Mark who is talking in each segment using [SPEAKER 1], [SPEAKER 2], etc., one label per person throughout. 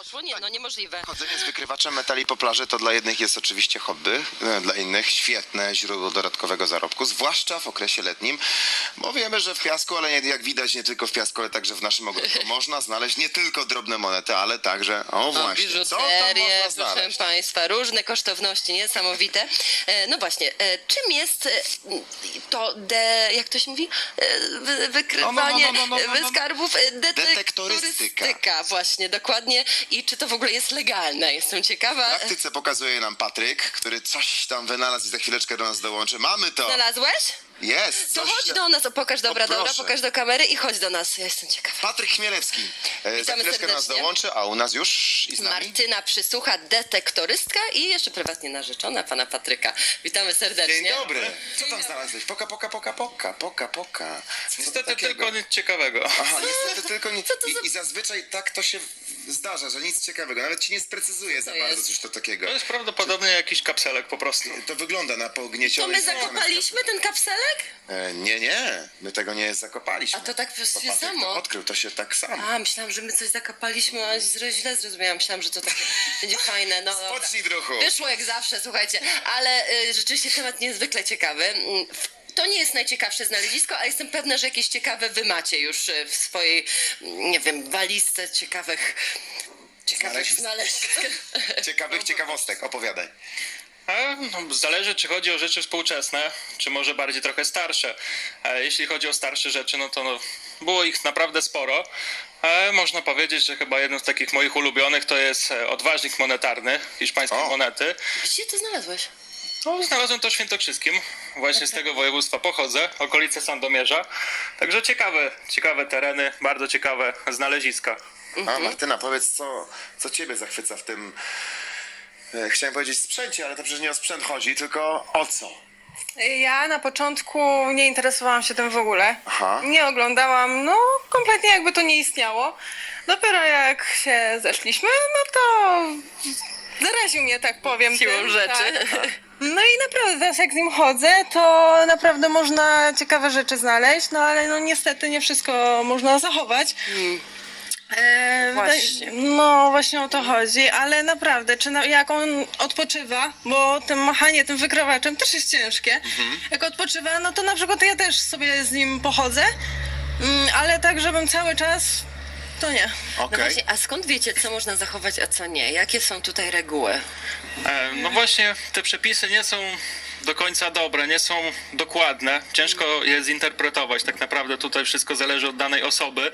[SPEAKER 1] poszło? Nie, no niemożliwe.
[SPEAKER 2] Chodzenie z wykrywaczem metali po plaży to dla jednych jest oczywiście hobby, dla innych świetne źródło dodatkowego zarobku, zwłaszcza w okresie letnim, bo wiemy, że w piasku, ale jak widać nie tylko w piasku, ale także w naszym ogródku można znaleźć nie tylko drobne monety, ale także, o właśnie, co tam
[SPEAKER 1] Biżuterię,
[SPEAKER 2] można
[SPEAKER 1] proszę
[SPEAKER 2] znaleźć?
[SPEAKER 1] Państwa, różne kosztowności niesamowite. No właśnie, czym jest to, jak to się mówi, wykrywanie skarbów?
[SPEAKER 2] Detektorystyka.
[SPEAKER 1] Właśnie, dokładnie. I czy to w ogóle jest legalne? Jestem
[SPEAKER 2] W
[SPEAKER 1] ciekawa.
[SPEAKER 2] praktyce pokazuje nam Patryk, który coś tam wynalazł i za chwileczkę do nas dołączy. Mamy to!
[SPEAKER 1] Znalazłeś?
[SPEAKER 2] Jest!
[SPEAKER 1] To
[SPEAKER 2] coś
[SPEAKER 1] chodź do nas, pokaż, dobra,
[SPEAKER 2] proszę.
[SPEAKER 1] pokaż do kamery i chodź do nas. Ja jestem ciekawa.
[SPEAKER 2] Patryk Chmielewski. Za
[SPEAKER 1] Witamy
[SPEAKER 2] chwileczkę do nas
[SPEAKER 1] serdecznie.
[SPEAKER 2] dołączy, a u nas już i z nami.
[SPEAKER 1] Martyna Przysłucha, detektorystka i jeszcze prywatnie narzeczona pana Patryka. Witamy serdecznie.
[SPEAKER 2] Dzień dobry. Co tam znalazłeś? Poka. Co
[SPEAKER 3] Niestety
[SPEAKER 2] takiego?
[SPEAKER 3] tylko nic ciekawego.
[SPEAKER 2] Aha, niestety tylko nic.
[SPEAKER 1] Co to za-
[SPEAKER 2] I zazwyczaj tak to się zdarza, że nic ciekawego. Nawet ci nie sprecyzuje za bardzo
[SPEAKER 1] jest?
[SPEAKER 2] coś to takiego.
[SPEAKER 3] To jest prawdopodobnie jakiś kapselek po prostu.
[SPEAKER 2] To wygląda na
[SPEAKER 1] To
[SPEAKER 2] pogniecione.
[SPEAKER 1] my zakopaliśmy ten kapselek?
[SPEAKER 2] Nie. My tego nie zakopaliśmy.
[SPEAKER 1] A to tak
[SPEAKER 2] To
[SPEAKER 1] się
[SPEAKER 2] Patryk
[SPEAKER 1] samo?
[SPEAKER 2] to odkrył, to się tak samo.
[SPEAKER 1] A, myślałam, że my coś zakopaliśmy, a źle zrozumiałam. Myślałam, że to takie będzie fajne. No, dobra.
[SPEAKER 2] Spocznij, druhu.
[SPEAKER 1] Wyszło jak zawsze, słuchajcie. Ale rzeczywiście temat niezwykle ciekawy. To nie jest najciekawsze znalezisko, a jestem pewna, że jakieś ciekawe wy macie już w swojej, nie wiem, walizce ciekawych znalezisk.
[SPEAKER 2] Ciekawych ciekawostek, opowiadaj.
[SPEAKER 3] Zależy, czy chodzi o rzeczy współczesne, czy może bardziej trochę starsze. Jeśli chodzi o starsze rzeczy, no było ich naprawdę sporo. Można powiedzieć, że chyba jednym z takich moich ulubionych to jest odważnik monetarny, hiszpańskie
[SPEAKER 2] O.
[SPEAKER 3] monety.
[SPEAKER 1] Gdzie to znalazłeś?
[SPEAKER 3] No, znalazłem to w Świętokrzyskim, właśnie z tego województwa pochodzę, okolice Sandomierza. Także ciekawe tereny, bardzo ciekawe znaleziska.
[SPEAKER 2] A Martyna, powiedz, co ciebie zachwyca w tym, chciałem powiedzieć sprzęcie, ale to przecież nie o sprzęt chodzi, tylko o co?
[SPEAKER 4] Ja na początku nie interesowałam się tym w ogóle.
[SPEAKER 2] Aha.
[SPEAKER 4] Nie oglądałam, no kompletnie jakby to nie istniało. Dopiero jak się zeszliśmy, no to zaraził mnie, tak powiem.
[SPEAKER 1] Siłą
[SPEAKER 4] tym,
[SPEAKER 1] rzeczy.
[SPEAKER 4] Tak. No i naprawdę teraz jak z nim chodzę, to naprawdę można ciekawe rzeczy znaleźć, no ale no niestety nie wszystko można zachować.
[SPEAKER 1] Właśnie.
[SPEAKER 4] No właśnie o to chodzi, ale naprawdę, jak on odpoczywa, bo tym machanie, tym wykrywaczem też jest ciężkie. Jak odpoczywa, no to na przykład ja też sobie z nim pochodzę, ale tak, żebym cały czas, to nie.
[SPEAKER 1] No
[SPEAKER 2] Okej.
[SPEAKER 1] właśnie, a skąd wiecie, co można zachować, a co nie? Jakie są tutaj reguły?
[SPEAKER 3] No właśnie, te przepisy nie są do końca dobre, nie są dokładne. Ciężko je zinterpretować. Tak naprawdę tutaj wszystko zależy od danej osoby.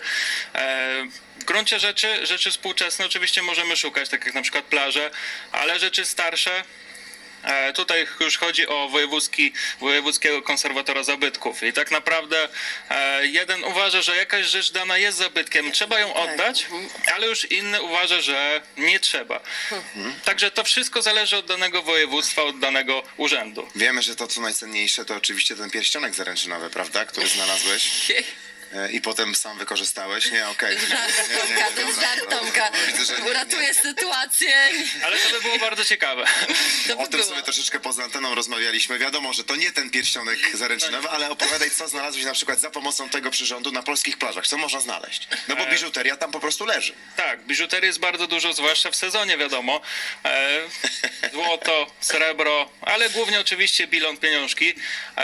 [SPEAKER 3] W gruncie rzeczy współczesne oczywiście możemy szukać, tak jak na przykład plaże, ale rzeczy starsze. Tutaj już chodzi o wojewódzkiego konserwatora zabytków i tak naprawdę jeden uważa, że jakaś rzecz dana jest zabytkiem, trzeba ją oddać, ale już inny uważa, że nie trzeba. Także to wszystko zależy od danego województwa, od danego urzędu.
[SPEAKER 2] Wiemy, że to co najcenniejsze to oczywiście ten pierścionek zaręczynowy, prawda, który znalazłeś i potem sam wykorzystałeś, nie? Okej.
[SPEAKER 1] Tomka, to jest żart Tomka.
[SPEAKER 2] Widzę, że nie.
[SPEAKER 1] Uratuje sytuację.
[SPEAKER 3] Ale to by było bardzo ciekawe.
[SPEAKER 1] To by
[SPEAKER 2] O tym
[SPEAKER 1] było.
[SPEAKER 2] sobie troszeczkę poza anteną rozmawialiśmy. Wiadomo, że to nie ten pierścionek zaręczynowy, ale opowiadaj, co znalazłeś na przykład za pomocą tego przyrządu na polskich plażach. Co można znaleźć? No bo biżuteria tam po prostu leży.
[SPEAKER 3] Tak, biżuterii jest bardzo dużo, zwłaszcza w sezonie, wiadomo. Złoto, srebro, ale głównie oczywiście bilon, pieniążki.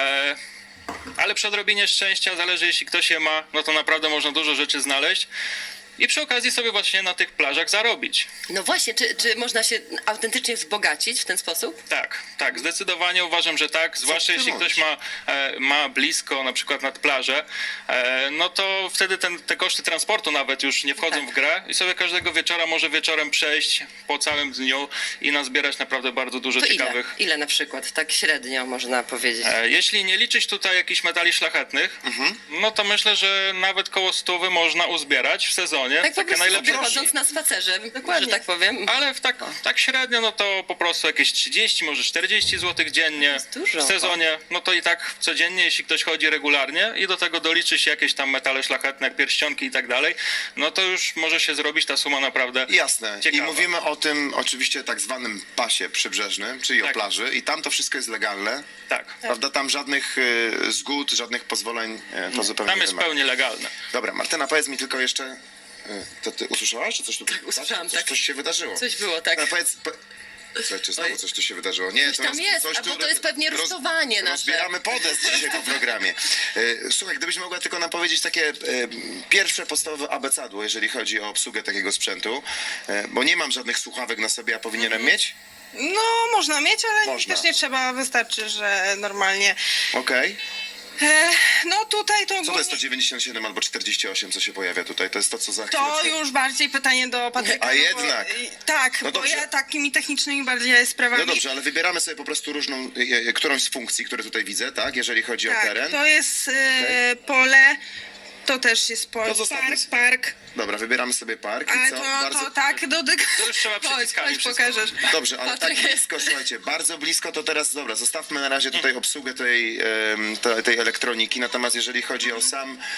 [SPEAKER 3] Ale przy odrobinie szczęścia, zależy jeśli ktoś je ma, no to naprawdę można dużo rzeczy znaleźć. I przy okazji sobie właśnie na tych plażach zarobić.
[SPEAKER 1] No właśnie, czy można się autentycznie wzbogacić w ten sposób?
[SPEAKER 3] Tak, zdecydowanie uważam, że tak. Zwłaszcza
[SPEAKER 2] ty
[SPEAKER 3] jeśli
[SPEAKER 2] mówisz?
[SPEAKER 3] ktoś ma blisko, na przykład nad plażę, no to wtedy te koszty transportu nawet już nie wchodzą
[SPEAKER 1] Tak.
[SPEAKER 3] w grę i sobie każdego wieczora może wieczorem przejść po całym dniu i nazbierać naprawdę bardzo dużo
[SPEAKER 1] To
[SPEAKER 3] ciekawych.
[SPEAKER 1] ile na przykład? Tak średnio można powiedzieć.
[SPEAKER 3] Jeśli nie liczyć tutaj jakichś metali szlachetnych, no to myślę, że nawet koło 100 można uzbierać w sezonie.
[SPEAKER 1] Tak po
[SPEAKER 3] Takie
[SPEAKER 1] prostu sobie
[SPEAKER 3] najlepsze.
[SPEAKER 1] chodząc na spacerze, że tak powiem.
[SPEAKER 3] Ale tak średnio, no to po prostu jakieś 30, może 40 zł dziennie
[SPEAKER 1] jest dużo.
[SPEAKER 3] w sezonie. No to i tak codziennie, jeśli ktoś chodzi regularnie i do tego doliczy się jakieś tam metale szlachetne, jak pierścionki i tak dalej, no to już może się zrobić ta suma naprawdę
[SPEAKER 2] Jasne.
[SPEAKER 3] ciekawa.
[SPEAKER 2] I mówimy o tym oczywiście tak zwanym pasie przybrzeżnym, czyli o
[SPEAKER 3] Tak.
[SPEAKER 2] plaży. I tam to wszystko jest legalne.
[SPEAKER 3] Tak.
[SPEAKER 2] Prawda? Tam żadnych zgód, żadnych pozwoleń to zupełnie
[SPEAKER 3] Tam
[SPEAKER 2] nie
[SPEAKER 3] jest
[SPEAKER 2] wymaga.
[SPEAKER 3] pełni legalne.
[SPEAKER 2] Dobra, Martyna, powiedz mi tylko jeszcze, To ty usłyszałaś, czy coś tu...
[SPEAKER 1] usłyszałam,
[SPEAKER 2] Coś,
[SPEAKER 1] tak.
[SPEAKER 2] coś się wydarzyło.
[SPEAKER 1] Coś było, tak.
[SPEAKER 2] No, powiedz... Słuchaj, czy znowu coś tu się wydarzyło? Nie,
[SPEAKER 1] Coś tam jest,
[SPEAKER 2] coś
[SPEAKER 1] albo
[SPEAKER 2] tu
[SPEAKER 1] to jest pewnie rusztowanie nasze.
[SPEAKER 2] Rozbieramy podest dzisiaj po programie. Słuchaj, gdybyś mogła tylko nam powiedzieć takie pierwsze podstawowe abecadło, jeżeli chodzi o obsługę takiego sprzętu, bo nie mam żadnych słuchawek na sobie, a powinienem mieć?
[SPEAKER 4] No, można mieć, ale
[SPEAKER 2] Można.
[SPEAKER 4] też nie trzeba, wystarczy, że normalnie.
[SPEAKER 2] Okej.
[SPEAKER 4] No tutaj to
[SPEAKER 2] Co to jest to 97 albo 48, co się pojawia tutaj? To jest to, co za
[SPEAKER 4] To
[SPEAKER 2] chwileczkę...
[SPEAKER 4] już bardziej pytanie do Patryka.
[SPEAKER 2] A
[SPEAKER 4] no bo-
[SPEAKER 2] jednak.
[SPEAKER 4] Tak,
[SPEAKER 2] No
[SPEAKER 4] bo
[SPEAKER 2] dobrze.
[SPEAKER 4] ja takimi technicznymi bardziej sprawami.
[SPEAKER 2] No dobrze, ale wybieramy sobie po prostu różną, którąś z funkcji, które tutaj widzę, tak? Jeżeli chodzi o
[SPEAKER 4] Tak,
[SPEAKER 2] teren.
[SPEAKER 4] to jest pole, to też jest pole,
[SPEAKER 2] To zostawmy
[SPEAKER 4] park.
[SPEAKER 2] Dobra, wybieramy sobie park
[SPEAKER 4] Ale
[SPEAKER 2] i co?
[SPEAKER 4] to tak, dotyk.
[SPEAKER 3] To już trzeba
[SPEAKER 4] Chodź,
[SPEAKER 3] przyciskami
[SPEAKER 4] chodź,
[SPEAKER 3] wszystko.
[SPEAKER 4] pokażesz.
[SPEAKER 2] Dobrze, ale
[SPEAKER 1] Patryk.
[SPEAKER 2] tak blisko, słuchajcie, bardzo blisko to teraz, dobra, zostawmy na razie tutaj obsługę tej elektroniki, natomiast jeżeli chodzi o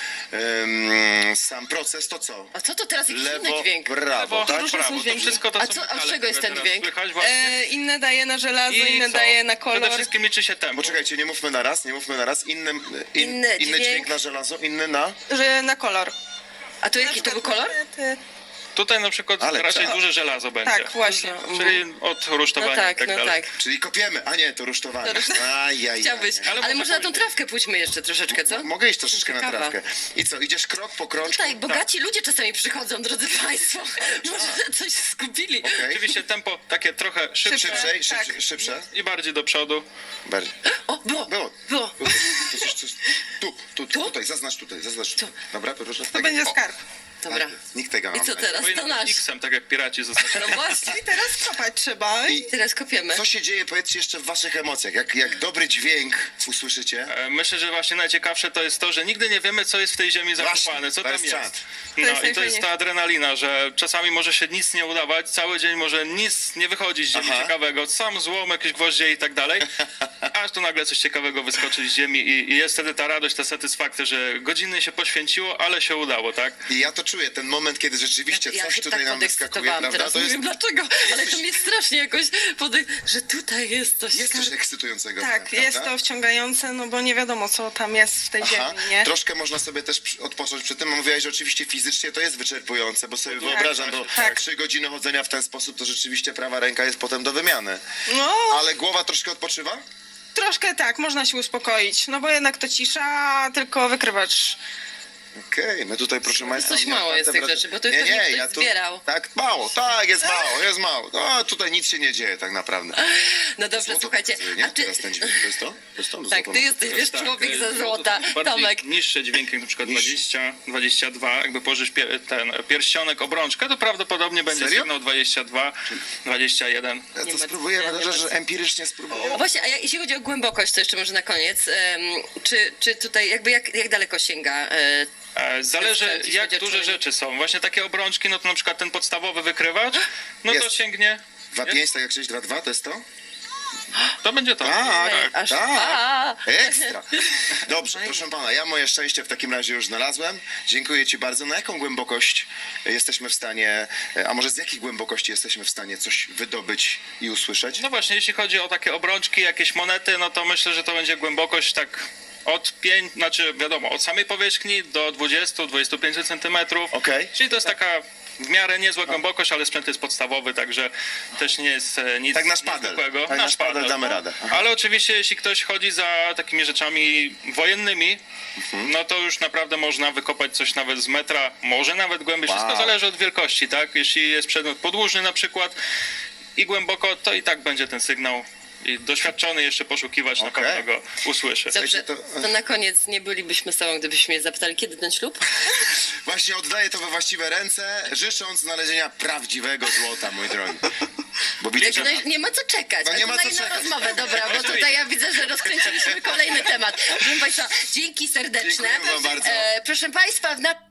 [SPEAKER 2] sam proces, to co?
[SPEAKER 1] A co to teraz jakiś inny
[SPEAKER 2] Lewo,
[SPEAKER 1] dźwięk?
[SPEAKER 2] prawo, tak?
[SPEAKER 4] różne są
[SPEAKER 3] Prawo, to
[SPEAKER 4] dźwięki.
[SPEAKER 3] wszystko to
[SPEAKER 1] A
[SPEAKER 3] są
[SPEAKER 1] co- a z
[SPEAKER 3] metale,
[SPEAKER 1] czego jest
[SPEAKER 3] które
[SPEAKER 1] ten
[SPEAKER 3] teraz
[SPEAKER 1] dźwięk?
[SPEAKER 3] Słychać właśnie.
[SPEAKER 4] Inne daje na żelazo,
[SPEAKER 3] I
[SPEAKER 4] inne
[SPEAKER 3] co?
[SPEAKER 4] daje na kolor.
[SPEAKER 3] Przede wszystkim liczy się tempo.
[SPEAKER 2] Poczekajcie, nie mówmy na raz,
[SPEAKER 1] Inny
[SPEAKER 2] inny
[SPEAKER 1] dźwięk.
[SPEAKER 2] dźwięk na żelazo, inny na...
[SPEAKER 4] Że na kolor.
[SPEAKER 1] A to jaki to był kolor?
[SPEAKER 3] Tutaj na przykład
[SPEAKER 2] Ale
[SPEAKER 3] raczej
[SPEAKER 2] co?
[SPEAKER 3] duże żelazo będzie.
[SPEAKER 4] Tak, właśnie.
[SPEAKER 3] Czyli od rusztowania
[SPEAKER 1] No
[SPEAKER 3] i
[SPEAKER 1] tak,
[SPEAKER 3] tak
[SPEAKER 1] no
[SPEAKER 3] dalej.
[SPEAKER 1] tak.
[SPEAKER 2] Czyli kopiemy, a nie, to rusztowanie. Ajajaj.
[SPEAKER 1] Chciałbyś.
[SPEAKER 3] Ale
[SPEAKER 1] Ale
[SPEAKER 3] może
[SPEAKER 1] może na tą
[SPEAKER 3] pójść.
[SPEAKER 1] trawkę pójdźmy jeszcze troszeczkę, co?
[SPEAKER 2] Mogę iść troszeczkę na
[SPEAKER 1] Ciekawa.
[SPEAKER 2] trawkę. I co, idziesz krok po krążku?
[SPEAKER 1] Tutaj bogaci ludzie czasami przychodzą, drodzy Państwo. Może coś zgubili.
[SPEAKER 2] Okej.
[SPEAKER 3] Oczywiście tempo takie trochę szybsze
[SPEAKER 2] Szybsze.
[SPEAKER 3] i bardziej do przodu.
[SPEAKER 2] Bardziej.
[SPEAKER 1] O, było.
[SPEAKER 2] Było.
[SPEAKER 1] Było.
[SPEAKER 2] Tutaj, zaznacz tutaj. Dobra, proszę.
[SPEAKER 4] To będzie skarb.
[SPEAKER 1] Dobra.
[SPEAKER 2] Nikt tego
[SPEAKER 1] I co
[SPEAKER 2] nie
[SPEAKER 1] teraz? To
[SPEAKER 3] Powinno
[SPEAKER 1] nasz.
[SPEAKER 3] X-em, tak jak piraci zaznaczać.
[SPEAKER 1] No właśnie.
[SPEAKER 4] I teraz kopać trzeba.
[SPEAKER 1] Teraz kopiemy.
[SPEAKER 2] Co się dzieje, powiedzcie jeszcze w waszych emocjach? Jak dobry dźwięk usłyszycie?
[SPEAKER 3] Myślę, że właśnie najciekawsze to jest to, że nigdy nie wiemy, co jest w tej ziemi zakopane, co
[SPEAKER 2] to
[SPEAKER 3] tam
[SPEAKER 2] jest
[SPEAKER 3] jest.
[SPEAKER 2] czad.
[SPEAKER 3] No
[SPEAKER 4] jest
[SPEAKER 3] i to jest
[SPEAKER 4] najfajniejsze.
[SPEAKER 3] ta adrenalina, że czasami może się nic nie udawać, cały dzień może nic nie wychodzić z ziemi
[SPEAKER 2] Aha.
[SPEAKER 3] ciekawego, sam złom, jakieś gwoździe i tak dalej, aż tu nagle coś ciekawego wyskoczy z ziemi i jest wtedy ta radość, ta satysfakcja, że godziny się poświęciło, ale się udało, tak?
[SPEAKER 2] I ja to czuję, ten moment, kiedy rzeczywiście
[SPEAKER 1] Ja
[SPEAKER 2] coś
[SPEAKER 1] się
[SPEAKER 2] tutaj
[SPEAKER 1] tak
[SPEAKER 2] nam wyskakuje,
[SPEAKER 1] podekscytowałam
[SPEAKER 2] prawda?
[SPEAKER 1] teraz.
[SPEAKER 2] To
[SPEAKER 1] Nie
[SPEAKER 2] jest,
[SPEAKER 1] wiem dlaczego, ale to mnie strasznie jakoś że tutaj jest coś.
[SPEAKER 2] jest coś ekscytującego.
[SPEAKER 4] Tak,
[SPEAKER 2] prawda?
[SPEAKER 4] jest to wciągające, no bo nie wiadomo, co tam jest w tej
[SPEAKER 2] Aha,
[SPEAKER 4] ziemi, nie?
[SPEAKER 2] troszkę można sobie też odpocząć przy tym. Mówiłaś, że oczywiście fizycznie to jest wyczerpujące, bo sobie wyobrażam, bo
[SPEAKER 4] tak.
[SPEAKER 2] 3 godziny chodzenia w ten sposób, to rzeczywiście prawa ręka jest potem do wymiany.
[SPEAKER 4] No,
[SPEAKER 2] Ale głowa troszkę odpoczywa?
[SPEAKER 4] troszkę tak, można się uspokoić, no bo jednak to cisza, tylko wykrywacz.
[SPEAKER 2] Okej, my tutaj proszę Państwa...
[SPEAKER 1] coś
[SPEAKER 2] nie,
[SPEAKER 1] mało jest tych rzeczy, bo to pewnie ktoś zbierał.
[SPEAKER 2] Tak, mało, jest mało. No, tutaj nic się nie dzieje tak naprawdę.
[SPEAKER 1] No dobrze,
[SPEAKER 2] Złoto
[SPEAKER 1] słuchajcie.
[SPEAKER 2] pokazuje, nie?
[SPEAKER 1] A ty...
[SPEAKER 2] Teraz ten dźwięk, to jest to? To jest to?
[SPEAKER 1] Tak,
[SPEAKER 2] Złoto
[SPEAKER 1] ty
[SPEAKER 2] nam
[SPEAKER 1] jesteś, wiesz,
[SPEAKER 3] Tak,
[SPEAKER 1] człowiek
[SPEAKER 3] to
[SPEAKER 1] ze
[SPEAKER 3] jest
[SPEAKER 1] złota.
[SPEAKER 3] bardziej
[SPEAKER 1] Tomek.
[SPEAKER 3] niższe dźwięki, na przykład
[SPEAKER 2] Niższe.
[SPEAKER 3] 20, 22, jakby położysz ten pierścionek, obrączkę, to prawdopodobnie będzie
[SPEAKER 2] Serio?
[SPEAKER 3] sygnał 22, 21.
[SPEAKER 2] Ja
[SPEAKER 1] Nie
[SPEAKER 2] to
[SPEAKER 1] ma-
[SPEAKER 2] spróbuję,
[SPEAKER 1] nie ma-
[SPEAKER 2] że empirycznie spróbuję.
[SPEAKER 1] O właśnie, a jeśli chodzi o głębokość, to jeszcze może na koniec. Czy tutaj jakby jak daleko sięga?
[SPEAKER 3] Zależy
[SPEAKER 1] Jeśli
[SPEAKER 3] jak
[SPEAKER 1] chodzi o
[SPEAKER 3] duże
[SPEAKER 1] czujnik.
[SPEAKER 3] rzeczy są. Właśnie takie obrączki, no to na przykład ten podstawowy wykrywacz, no to
[SPEAKER 2] Jest.
[SPEAKER 3] sięgnie,
[SPEAKER 2] 2,5, tak jak 6, 2,2, to jest to?
[SPEAKER 3] to będzie to.
[SPEAKER 2] Tak,
[SPEAKER 1] Aż-
[SPEAKER 2] tak.
[SPEAKER 1] a.
[SPEAKER 2] Ekstra. Dobrze, proszę pana, ja moje szczęście w takim razie już znalazłem. Dziękuję ci bardzo. Na jaką głębokość jesteśmy w stanie, a może z jakiej głębokości jesteśmy w stanie coś wydobyć i usłyszeć?
[SPEAKER 3] No właśnie, jeśli chodzi o takie obrączki, jakieś monety, no to myślę, że to będzie głębokość tak od 5, znaczy wiadomo, od samej powierzchni do 20-25 centymetrów.
[SPEAKER 2] Okej.
[SPEAKER 3] Czyli to jest taka w miarę niezła głębokość, ale sprzęt jest podstawowy, także też nie jest nic
[SPEAKER 2] Tak na szpadel.
[SPEAKER 3] niezwykłego.
[SPEAKER 2] Tak na szpadel damy radę. Aha.
[SPEAKER 3] Ale oczywiście, jeśli ktoś chodzi za takimi rzeczami wojennymi, no to już naprawdę można wykopać coś nawet z metra, może nawet głębiej.
[SPEAKER 2] Wow.
[SPEAKER 3] Wszystko zależy od wielkości, tak? Jeśli jest przedmiot podłużny na przykład i głęboko, to i tak będzie ten sygnał. I doświadczony jeszcze poszukiwacz na
[SPEAKER 2] Okej.
[SPEAKER 3] pewno go usłyszy.
[SPEAKER 1] Dobrze,
[SPEAKER 2] to-
[SPEAKER 1] to na koniec nie bylibyśmy sobą, gdybyśmy mnie zapytali, kiedy ten ślub?
[SPEAKER 2] Właśnie oddaję to we właściwe ręce, życząc znalezienia prawdziwego złota, mój drogi. Bo widzę, że...
[SPEAKER 1] Nie ma co czekać.
[SPEAKER 2] No
[SPEAKER 1] A
[SPEAKER 2] nie
[SPEAKER 1] to
[SPEAKER 2] ma
[SPEAKER 1] na
[SPEAKER 2] co
[SPEAKER 1] inną
[SPEAKER 2] czekać.
[SPEAKER 1] rozmowę, dobra, bo tutaj ja widzę, że rozkręciliśmy kolejny temat. Proszę Państwa, dzięki serdeczne.
[SPEAKER 2] Dziękuję wam bardzo.
[SPEAKER 1] Proszę Państwa,